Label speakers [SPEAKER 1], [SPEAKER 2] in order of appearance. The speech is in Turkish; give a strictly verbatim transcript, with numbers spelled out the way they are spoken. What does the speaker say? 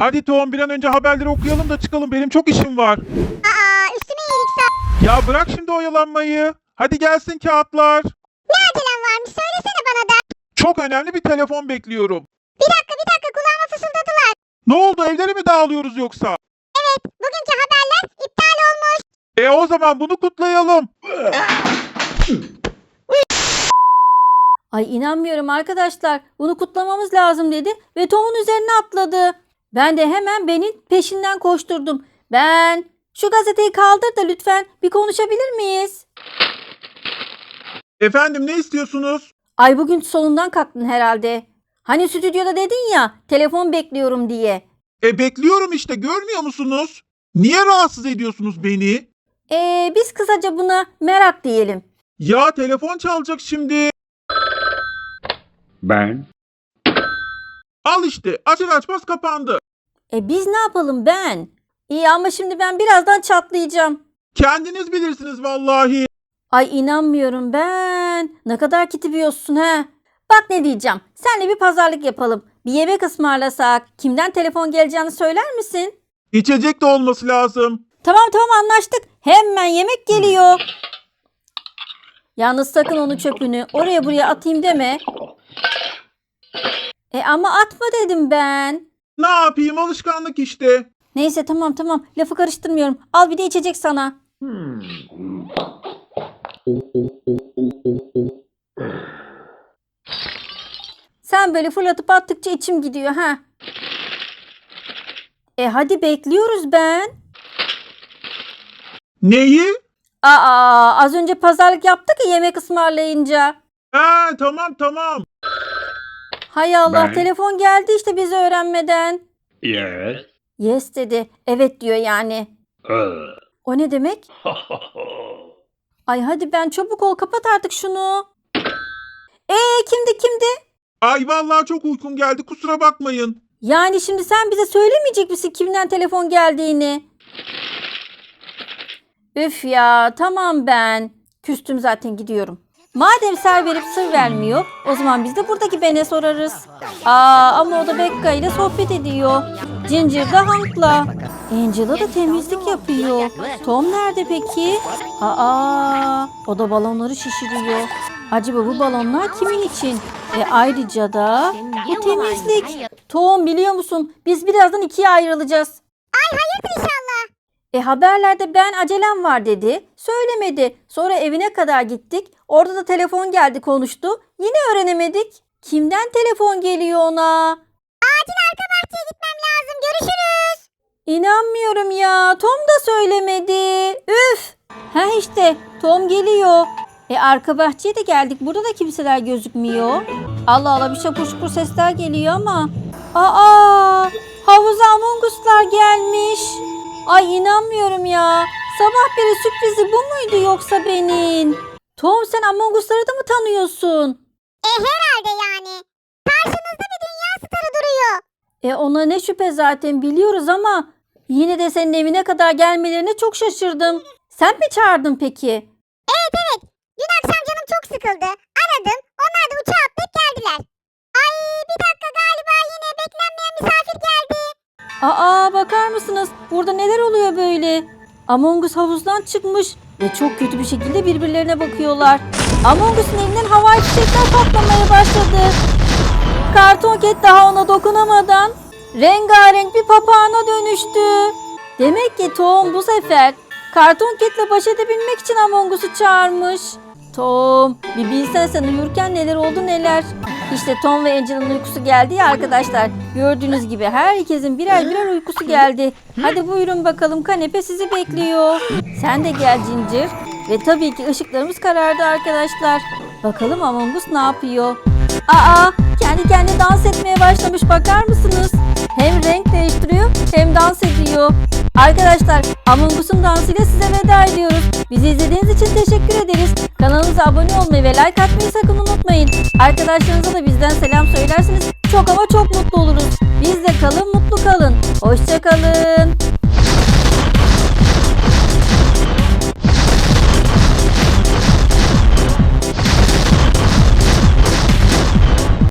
[SPEAKER 1] Hadi Tom bir an önce haberleri okuyalım da çıkalım. Benim çok işim var.
[SPEAKER 2] Aa, üstüme iyilik sağ.
[SPEAKER 1] Ya bırak şimdi oyalanmayı. Hadi gelsin kağıtlar.
[SPEAKER 2] Ne acelem varmış söylesene bana da.
[SPEAKER 1] Çok önemli bir telefon bekliyorum.
[SPEAKER 2] Bir dakika bir dakika kulağıma fısıldadılar.
[SPEAKER 1] Ne oldu, evleri mi dağılıyoruz yoksa?
[SPEAKER 2] Evet bugünkü haberler iptal olmuş.
[SPEAKER 1] E o zaman bunu kutlayalım.
[SPEAKER 3] Ay inanmıyorum arkadaşlar. Bunu kutlamamız lazım dedi ve Tom'un üzerine atladı. Ben de hemen Ben'in peşinden koşturdum. Ben, şu gazeteyi kaldır da lütfen bir konuşabilir miyiz?
[SPEAKER 1] Efendim ne istiyorsunuz?
[SPEAKER 3] Ay bugün solundan kalktın herhalde. Hani stüdyoda dedin ya telefon bekliyorum diye.
[SPEAKER 1] E bekliyorum işte, görmüyor musunuz? Niye rahatsız ediyorsunuz beni?
[SPEAKER 3] Ee, biz kısaca buna merak diyelim.
[SPEAKER 1] Ya telefon çalacak şimdi.
[SPEAKER 4] Ben.
[SPEAKER 1] Al işte, açar açmaz kapandı.
[SPEAKER 3] E biz ne yapalım ben? İyi ama şimdi ben birazdan çatlayacağım.
[SPEAKER 1] Kendiniz bilirsiniz vallahi.
[SPEAKER 3] Ay inanmıyorum ben. Ne kadar kitibiyorsun he. Bak ne diyeceğim. Senle bir pazarlık yapalım. Bir yemek ısmarlasak. Kimden telefon geleceğini söyler misin?
[SPEAKER 1] İçecek de olması lazım.
[SPEAKER 3] Tamam tamam anlaştık. Hemen yemek geliyor. Yalnız sakın onu çöpünü oraya buraya atayım deme. E ama atma dedim ben.
[SPEAKER 1] Ne yapayım, alışkanlık işte.
[SPEAKER 3] Neyse tamam tamam lafı karıştırmıyorum. Al bir de içecek sana. Sen böyle fırlatıp attıkça içim gidiyor ha. E hadi bekliyoruz ben.
[SPEAKER 1] Neyi?
[SPEAKER 3] Aa az önce pazarlık yaptık ya yemek ısmarlayınca.
[SPEAKER 1] Ha tamam tamam.
[SPEAKER 3] Hay Allah
[SPEAKER 4] Ben-
[SPEAKER 3] telefon geldi işte bizi öğrenmeden.
[SPEAKER 4] Yes.
[SPEAKER 3] Yes dedi. Evet diyor yani.
[SPEAKER 4] Uh.
[SPEAKER 3] O ne demek? Ay hadi ben çabuk ol kapat artık şunu. Ee kimdi kimdi?
[SPEAKER 1] Ay vallahi çok uykum geldi, kusura bakmayın.
[SPEAKER 3] Yani şimdi sen bize söylemeyecek misin kimden telefon geldiğini? Üf ya tamam ben. Küstüm zaten gidiyorum. Madem ser verip sır vermiyor o zaman biz de buradaki Ben'e sorarız. Aa ama o da Becca ile sohbet ediyor. Ginger de Hank'la. Angela da temizlik yapıyor. Tom nerede peki? Aa o da balonları şişiriyor. Acaba bu balonlar kimin için? E ayrıca da bu temizlik. Tom biliyor musun biz birazdan ikiye ayrılacağız.
[SPEAKER 2] Ay hayırdır inşallah.
[SPEAKER 3] E haberlerde ben acelem var dedi. Söylemedi. Sonra evine kadar gittik. Orada da telefon geldi konuştu. Yine öğrenemedik. Kimden telefon geliyor ona?
[SPEAKER 2] Acil arka bahçeye gitmem lazım. Görüşürüz.
[SPEAKER 3] İnanmıyorum ya. Tom da söylemedi. Üf. Ha işte Tom geliyor. E arka bahçeye de geldik. Burada da kimseler gözükmüyor. Allah Allah bir şapur şupur sesler geliyor ama. Aa havuza Among Us'lar gelmiş. Ay inanmıyorum ya. Sabah beri sürprizi bu muydu yoksa benim? Tom sen Among Us'ları da mı tanıyorsun?
[SPEAKER 2] E herhalde yani. Karşınızda bir dünya starı duruyor.
[SPEAKER 3] E ona ne şüphe zaten biliyoruz ama yine de senin evine kadar gelmelerine çok şaşırdım. Sen mi çağırdın peki?
[SPEAKER 2] Evet evet. Dün akşam canım çok sıkıldı. Aradım. Onlar da uçağa atlayıp geldiler. Ay bir dakika galiba yine beklenmeyen misafir geldi.
[SPEAKER 3] Aa bakar mısınız? Burada neler oluyor böyle? Among Us havuzdan çıkmış ve çok kötü bir şekilde birbirlerine bakıyorlar. Among Us'un elinden havai fişekler patlamaya başladı. Karton Cat daha ona dokunamadan rengarenk bir papağana dönüştü. Demek ki Tom bu sefer Karton Cat'le baş edebilmek için Among Us'u çağırmış. Tom, bir bilsen sen uyurken neler oldu neler. İşte Tom ve Angela'nın uykusu geldi ya arkadaşlar. Gördüğünüz gibi herkesin birer birer uykusu geldi. Hadi buyurun bakalım kanepe sizi bekliyor. Sen de gel Ginger. Ve tabii ki ışıklarımız karardı arkadaşlar. Bakalım Among Us ne yapıyor? Aa, kendi kendine dans etmeye başlamış bakar mısınız? Hem renk değiştiriyor hem dans ediyor. Arkadaşlar Among Us'un dansıyla size veda ediyoruz. Bizi izlediğiniz için teşekkür ederiz. Kanalımıza abone olmayı ve like atmayı sakın unutmayın. Arkadaşlarınıza da bizden selam söylerseniz çok ama çok mutlu oluruz. Bizle kalın, mutlu kalın. Hoşça kalın.